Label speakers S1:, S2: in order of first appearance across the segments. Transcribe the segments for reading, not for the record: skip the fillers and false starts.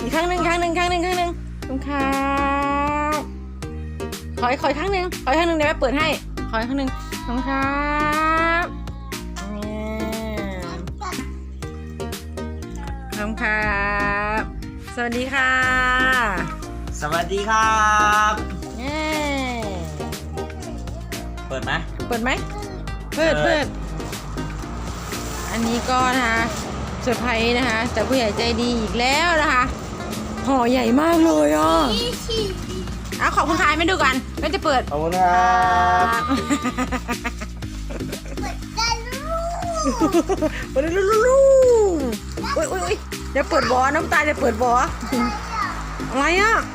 S1: อีกครั้งหนึ่งขอบคุณครับขออีกครั้งหนึ่งเดี๋ยวแม่เปิดให้ขออีกครั้งหนึ่งขอบคุณครับขอบคุณครับสวัสดีค่ะ
S2: สวัสดีครับ เปิดไหม
S1: เปิดอันนี้ก็นะคะเซอร์ไพรส์นะคะจากผู้ใหญ่ใจดีอีกแล้วนะคะห่อใหญ่มากเลยอ่ะขอบคุณค่ะไม่ดูกันไม่จะเปิด
S2: ขอบคุณครับ
S1: เปิดลูอุ้ยเดี๋ยวเปิดบ่อน้ำตาจะเปิดบ่ออะไรอ่ะ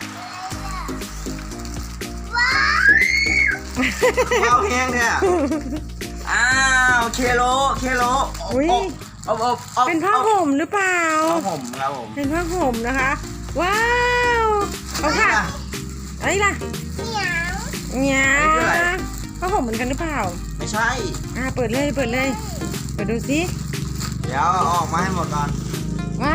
S2: ข้าวแห้งเนี่ยอ้าวเคโล
S1: เป็นผ้าห่มหรือเปล่า
S2: ผ้าห่มครับผม
S1: เป็นผ้าห่มนะคะว้าวเอาค่ะอะไรล่ะเหนียวผ้าห่มเหมือนกันหรือเปล่า
S2: ไม่ใช่
S1: เปิดเลยเปิดดูสิ
S2: เดี๋ยวเอาออกมาให้หมดก่อน
S1: ว้าว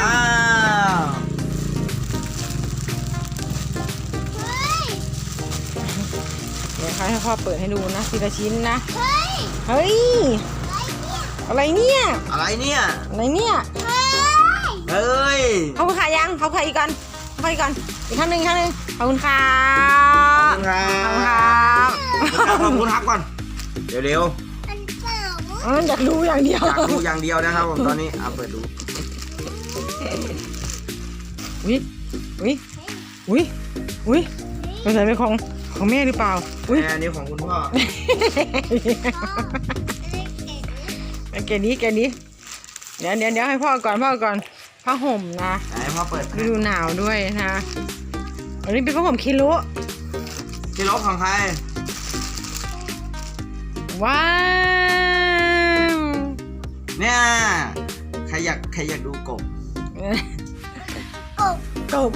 S1: เดี๋ยวให้พ่อเปิดให้ดูนะทีละชิ้นนะเฮ้ยอะไรเนี่ย
S2: เฮ้ย
S1: เขาขายยังเขาขายอีกก่อนอีกครั้งหนึ่งขอบคุณค่ะ
S2: ขอบคุณครับก่อนเร็ว
S1: อยากรู้อย่างเดียว
S2: อยากดูอย่างเดียวนะครับผมตอนนี้เปิดดู
S1: อุ้ยเป็นอะไรเป็นของแม่หรือเปล่า
S2: อันนี้ของคุณพ่อ
S1: แกนี้เดี๋ยวให้พ่อก่อนผ้าห่มนะ
S2: ให้พ่อเปิด
S1: ฤดูหนาวด้วยนะอันนี้เป็นผ้าห่มคิโล
S2: ของใคร
S1: ว้าว
S2: เนี่ยใครอยากดูกบ
S1: กบ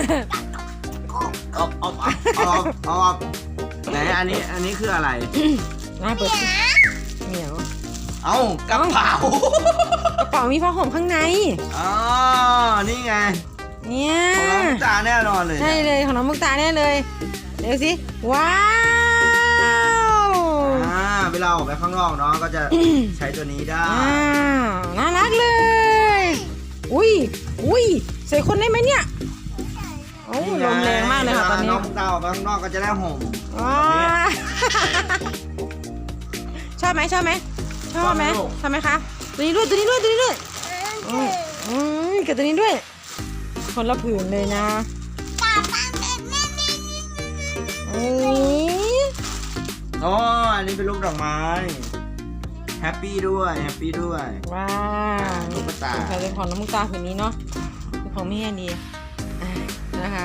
S2: เอาไหนอันนี้คืออะไร
S1: น่าเปิดเหนียว
S2: เอ้ากระเป๋าก
S1: ระเป๋ามีผ้าห่มข้างใน
S2: อ๋อนี่ไง
S1: เนี่ย
S2: ของน้องมุกตาแน่นอนเลย
S1: ใช่เลยของน้องมุกตาแน่เลยเดี๋ยวสิว้าว
S2: เวลาออกไปข้างนอกน้องก็จะใช้ตัวนี้ได้
S1: น่ารักเลยอุ้ยใส่คนได้ไหมเนี่ยโอ้ลมแรงมากเลยค่ะตอนนี้
S2: น้องมุกตาออกไปข้างนอกก็จะได้ห่ม
S1: ชอบไหมคะตัวนี้ด้วยกับตัวนี้ด้วยคนละผืนเลยนะ
S2: อ๋ออันนี้เป็นลูกดอกไม้แฮปปี้ด้วย
S1: ว้าว
S2: ลูกตา
S1: เป็นของน้องมุกตาผืนนี้เนาะเป็นของแม่ดีนะคะ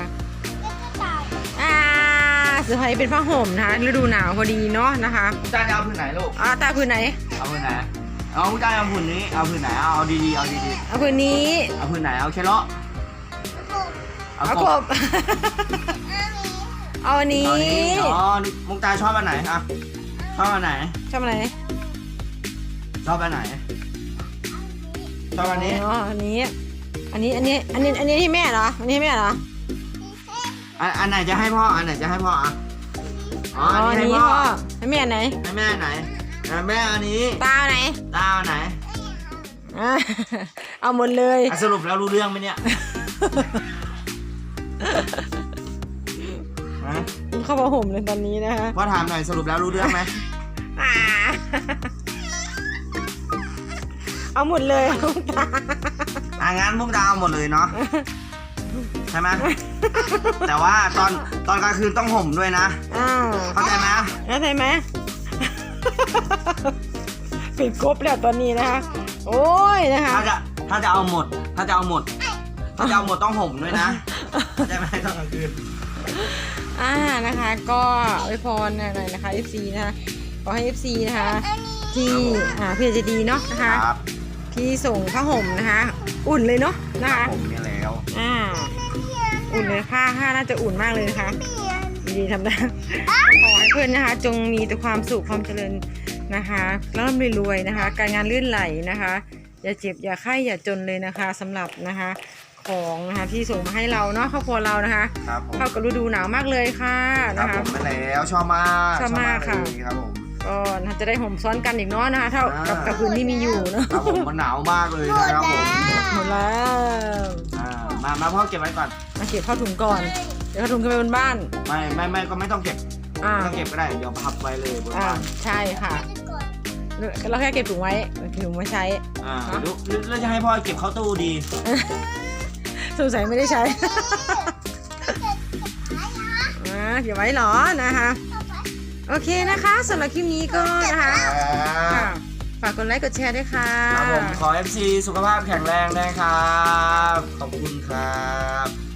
S1: เสื้อผ้าเป็นผ้าห่มนะคะฤดูหนาวพอดีเนาะนะคะ
S2: มุกตาจะเอาผืนไหนลูก
S1: ตาผืนไหน
S2: เอาผืนไหนเอามุกตาเอาผืนนี้เอาผืนไหนเอาดีๆเอา
S1: ผืนนี้
S2: เอาผืนไหนเอาเคโล
S1: เอากบเอาอันนี้
S2: อ๋อมุกตาชอบอันไหนอะชอบอันไหน
S1: ชอบอะไร
S2: ชอบอันไหนชอบอันนี้
S1: อันนี้ที่แม่เหรออันนี้ให้แม่เหรอ
S2: อันไหนจะให้พ่ออันไหนจะให้พ่ออะอ๋ออันนี้ให้
S1: นี้
S2: พ่อ
S1: ให้แม่ไหน
S2: ให้แม่ไหนแม่อันนี้
S1: ตาไหน
S2: ตาอันไหน
S1: เอาหมดเลย
S2: สรุปแล้วรู้เรื่องไหมเนี่ยฮะ
S1: เข้ามาห่มเลยตอนนี้นะคะ
S2: พ่อถามหน่อยสรุปแล้วรู้เรื่องไหม
S1: เอาหมดเลย
S2: งั้นมุกดาเอาหมดเลยเนาะใช่ไหมแต่ว่าตอนกลางคืนต้องห่มด้วยนะเข้าใจไหม
S1: ปิดกบแล้วตอนนี้นะคะโอ้ยนะคะ
S2: ถ้าจะเอาหมดต้องห่มด้วยนะเข้าใจไหมตอนกลางคืน
S1: นะคะก็อวยพรหน่อยนะคะ FC นะคะขอให้ FC นะคะที่พี่จะดีเนาะนะคะที่ส่งผ้าห่มนะคะอุ่นเลยเนาะนะคะ
S2: ผมเนี่ยแล้ว
S1: อุ่นเลยผ้าน่าจะอุ่นมากเลยนะคะดีทำได้ขอให้เพื่อนนะคะจงมีแต่ความสุขความเจริญนะคะร่ำรวยนะคะการงานลื่นไหลนะคะอย่าเจ็บอย่าไข้อย่าจนเลยนะคะสำหรับนะคะของนะคะที่ส่งมาให้เราเนาะครอบครัวเรานะคะ
S2: ครับผม
S1: เข้ากับฤดูหนาวมากเลยค่ะ
S2: ครั
S1: นะ
S2: บ
S1: คะ
S2: ผมไปแล้วชอบมาก
S1: ชอบมากค่ะ
S2: เลยครับผม
S1: ก็น่าจะได้ห่มซ้อนกันอีกเนาะนะคะเท่ากับพื้นที่มีอยู่เนาะ
S2: ครับผมมันหนาวมากเลยนะครับผม
S1: หมดแล้ว
S2: มาพ่อเก็บไว้ก่อน
S1: มาเก็บเข้าถุงก่อนเดี๋ยวเข้าถุงขึ้นไปบนบ้าน
S2: ไม่ก็ไม่ต้องเก็บ
S1: อ่า
S2: ไม่ต้องเก็บก็ได้เดี๋ยวพับไว้เลยบน
S1: อ่า
S2: บ้าน
S1: ใช่ค่ะเราแค่เก็บถุงไว้ถุงไว้ใช้
S2: แล้วจะให้พ่อเก็บเข้าตู้ดี
S1: สงสัยไม่ได้ใช้ เก็บไว้เหรอนะคะ โอเคนะคะสำหรับคลิปนี้ก็นะคะค่ะฝากกดไลค์กดแชร์ด้วยค่ะ
S2: ครับผมขอ FC สุขภาพแข็งแรงนะครับขอบคุณครับ